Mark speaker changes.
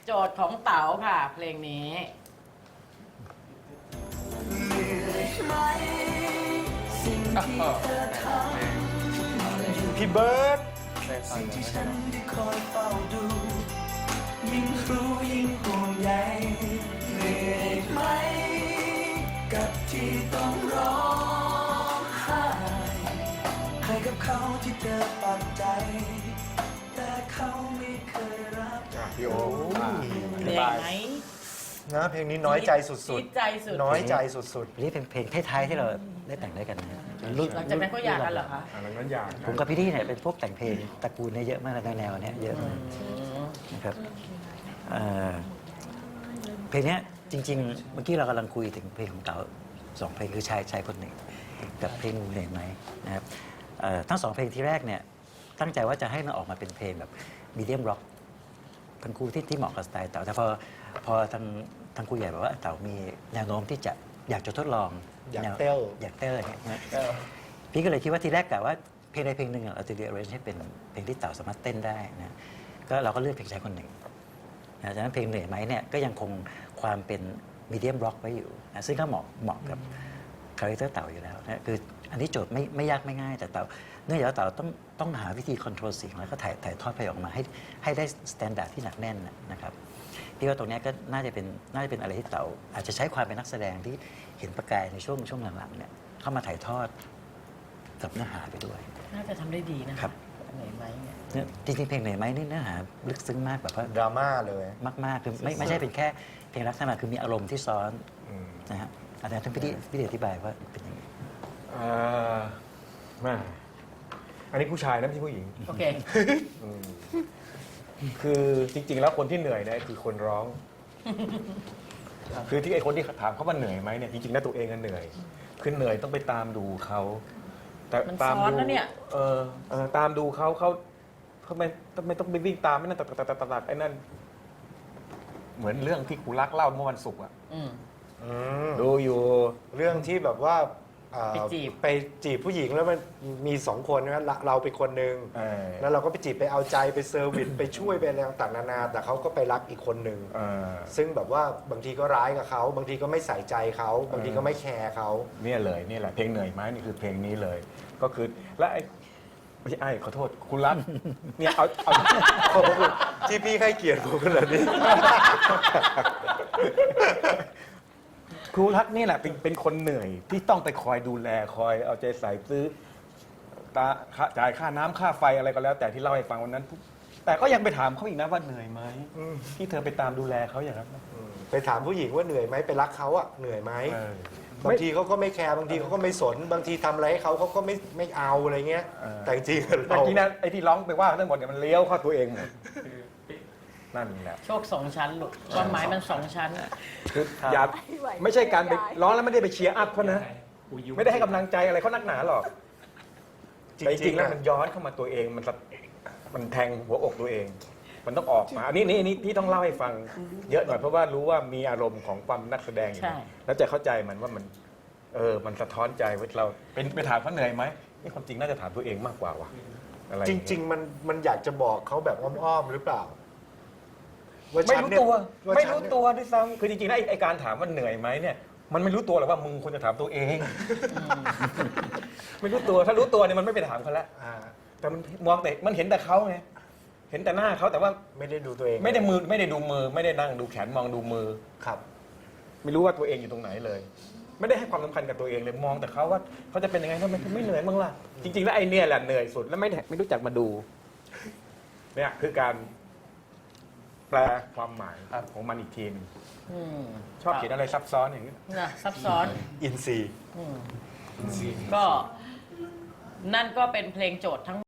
Speaker 1: โจทย์ของเต๋าค่ะ เพลงนี้
Speaker 2: พี่เบิร์ด
Speaker 3: สิ่งที่ฉันได้คอยเฝ้าดูยิ่งรู้ยิ่งห่วงใยเหนื่อยไหมกับที่ต้องร้องไห้ให้กับเขาที่เธอปักใจแต่เขาไม่เคยรับ
Speaker 2: พี่โอ้
Speaker 1: เหนื่อยไหม
Speaker 2: นะเพลงนี้น้อยใจสุด
Speaker 1: จี๊ดใจสุด
Speaker 2: ๆ น้อยใจสุด
Speaker 4: อันนี้เป็นเพลงท้ายๆที่เราได้แต่งด้วยกันนะ
Speaker 1: หลังจากนั้นก็หย่ากันเหรอคะ
Speaker 2: ๆอันนั้นอยาก
Speaker 4: ผมกับพี่ดี้เนี่ยเป็นพวกแต่งเพลงตระกูลเนี่ยเยอะมากในแนวเนี้ยเยอะมากนะครับเพลงเนี้ยจริงๆเมื่อกี้เรากำลังคุยถึงเพลงของเต๋าสองเพลงคือชายคนหนึ่งกับเพลงเหนื่อยไหมนะครับทั้งสองเพลงที่แรกเนี่ยตั้งใจว่าจะให้มันออกมาเป็นเพลงแบบมีเดียมร็อกทั้งคู่ที่เหมาะกับสไตล์เต๋าแต่พอทางครูใหญ่บอกว่าเต๋ามีแนวโน้มที่จะอยากจะทดลอง
Speaker 2: อยากเต้ล
Speaker 4: อยากเต้ลอย่างเงี้ยนะพี่ก็เลยคิดว่าทีแรกกะว่าเพลงใดเพลงหนึ่งเราจะเรียนรู้ให้เป็นเพลงที่เต๋าสามารถเต้นได้นะก็เราก็เลือกเพลงชายคนหนึ่งนะฉะนั้นเพลงเหนื่อยไหมเนี่ยก็ยังคงความเป็นมีเดียมร็อกไว้อยู่นะซึ่งก็เหมาะกับคาแรคเตอร์เต๋าอยู่แล้วนะคืออันนี้โจทย์ไม่ยากไม่ง่ายแต่เต๋าเนื่องจากว่าเต๋าต้องหาวิธีคอนโทรลเสียงแล้วก็ถ่ายทอดเพลงออกมาให้ได้สแตนดาร์ดที่หนักแน่นนะครับพี่ว่าตรงนี้ก็น่าจะเป็นอะไรที่เต๋าอาจจะใช้ความเป็นนักแสดงที่เห็นประกายในช่วงหลังๆเนี่ยเข้ามาถ่ายทอดกับเนื้อหาไปด้วย
Speaker 1: น่าจะทำได้ดีนะครับ เหนื่อยไหมเนี่ย
Speaker 4: จริงๆเพลงเหนื่อยไหมนี่เนื้อหาลึกซึ้งมากแบบว่า
Speaker 2: ดราม่าเลย
Speaker 4: มากๆคือไม่ใช่เป็นแค่เพลงรักธรรมดาคือมีอารมณ์ที่ซ้อนนะฮะอาจารย์ท่านพี่อธิบายว่าเป็นยังไง
Speaker 5: มาอันนี้ผู้ชายนะไม่ใช่ผู้หญิง
Speaker 1: โอเค
Speaker 5: คือจริง ๆ แล้วคนที่เหนื่อยเนี่ยคือคนร้อง คือที่ไอ้คนที่ถามเขาว่าเหนื่อยไหมเนี่ยจริงๆแล้วตัวเองก็เหนื่อยคือเหนื่อยต้องไปตามดูเขาแต่
Speaker 1: มัน
Speaker 5: ตาม
Speaker 1: ซ้อน
Speaker 5: ดู
Speaker 1: นะเนี่ย
Speaker 5: ตามดูเขาไม่ต้องไปวิ่งตามไม่นั่นตัดไอ้นั่นเหมือนเรื่องที่ครูรักเล่าเมื่อวันศุกร์อะ
Speaker 1: อืม
Speaker 5: ดูอยู่
Speaker 2: เรื่องที่แบบว่าไปจีบผู้หญิงแล้วมันมี2 คนนะเราไปคนหนึ่งแล้วเราก็ไปจีบไปเอาใจไปเซอร์วิสไปช่วยไปอะไรต่างๆนานาแต่เขาก็ไปรักอีกคนหนึ่งซึ่งแบบว่าบางทีก็ร้ายกับเขาบางทีก็ไม่ใส่ใจเขาบางทีก็ไม่แคร์เขา
Speaker 5: เนี่ยเลยนี่แหละเพลงเหนื่อยไหมนี่คือเพลงนี้เลย ก็คือและไม่ใช่ขอโทษคุณรักเนี่ยเอา
Speaker 2: ขอบคุณที่พี่ให้เกียรติผมขนาดนี้
Speaker 5: ครูรักนี่แหละเป็นคนเหนื่อยที่ต้องไปคอยดูแลคอยเอาใจใส่ซื้อจ่ายค่าน้ำค่าไฟอะไรก็แล้ว แต่ที่เล่าให้ฟังวันนั้น แต่ก็ยังไปถามเขาอีกนะว่าเหนื่อยไหมที่เธอไปตามดูแลเขาอย่างนั้น
Speaker 2: ไปถามผู้หญิงว่าเหนื่อยไหมไปรักเขาอะเหนื่อยไหมบางทีเขาก็ไม่แคร์บางทีเขาก็ไม่สนบางทีทำอะไรให้เขาก็ไม่เอาอะไรเงี้ยแต่จริงๆ
Speaker 5: แต่จริงนะไอ้ที่ร้องไปว่าทั้งหมดเนี่ยมันเลี้ยวเข้าตัวเองหมดนั่นแหละ
Speaker 1: โชค2 ชั้นลูกความหมายมัน2 ชั้น
Speaker 5: คืออย่าไม่ใช่การไปร้องแล้วไม่ได้ไปเชียร์อัพเขานะไม่ได้ให้กำลังใจอะไรเขานักหนาหรอกแต่จริงๆแล้วมันย้อนเข้ามาตัวเองมันแทงหัวอกตัวเอง มันต้องออกมาอันนี้ที่ต้องเล่าให้ฟังเยอะหน่อยเพราะว่ารู้ว่ามีอารมณ์ของความนักแสดงอยู่
Speaker 1: ใช่
Speaker 5: แล้วจะเข้าใจมันว่ามันสะท้อนใจว่าเราเป็นไปถามเขาเหนื่อยไหมนี่ความจริงน่าจะถามตัวเองมากกว่าว่ะอะไร
Speaker 2: จริง ๆ มันอยากจะบอกเขาแบบอ้อมๆหรือเปล่า
Speaker 5: ไม่รู้ตัว
Speaker 2: ว่า
Speaker 5: ไม่
Speaker 2: ฉัน
Speaker 5: รู้
Speaker 2: เนี่ย
Speaker 5: ตัวด้วยซ้ำคือจริงๆแล้วไอ้การถามว่าเหนื่อยไหมเนี่ยมันไม่รู้ตัวหรอกว่ามึงควรจะถามตัวเอง ไม่รู้ตัวถ้ารู้ตัวเนี่ยมันไม่ไปถามเขาแล้ว แต่มันมองแต่มันเห็นแต่เขาไงเห็นแต่หน้าเขาแต่ว่า
Speaker 2: ไม่ได้ดูตัวเอง
Speaker 5: ไม่ได้ดูมือไม่ได้นั่งดูแขนมองดูมือ
Speaker 2: ครับ
Speaker 5: ไม่รู้ว่าตัวเองอยู่ตรงไหนเลย ไม่ได้ให้ความสำคัญกับตัวเองเลยมองแต่เขาว่าเขาจะเป็นยังไงทำไมไม่เหนื่อยบ้างล่ะจริงๆแล้วไอ้เนี่ยแหละเหนื่อยสุดแล้วไม่รู้จักมาดูเนี่ยคือการแปลความหมายของมันอีกทีนึง
Speaker 1: อืม
Speaker 5: ชอบเขียนอะไรซับซ้อนอย่างนี้
Speaker 1: นะซับซ้อน
Speaker 2: อินซีย์
Speaker 1: ก็นั่นก็เป็นเพลงโจทย์ทั้ง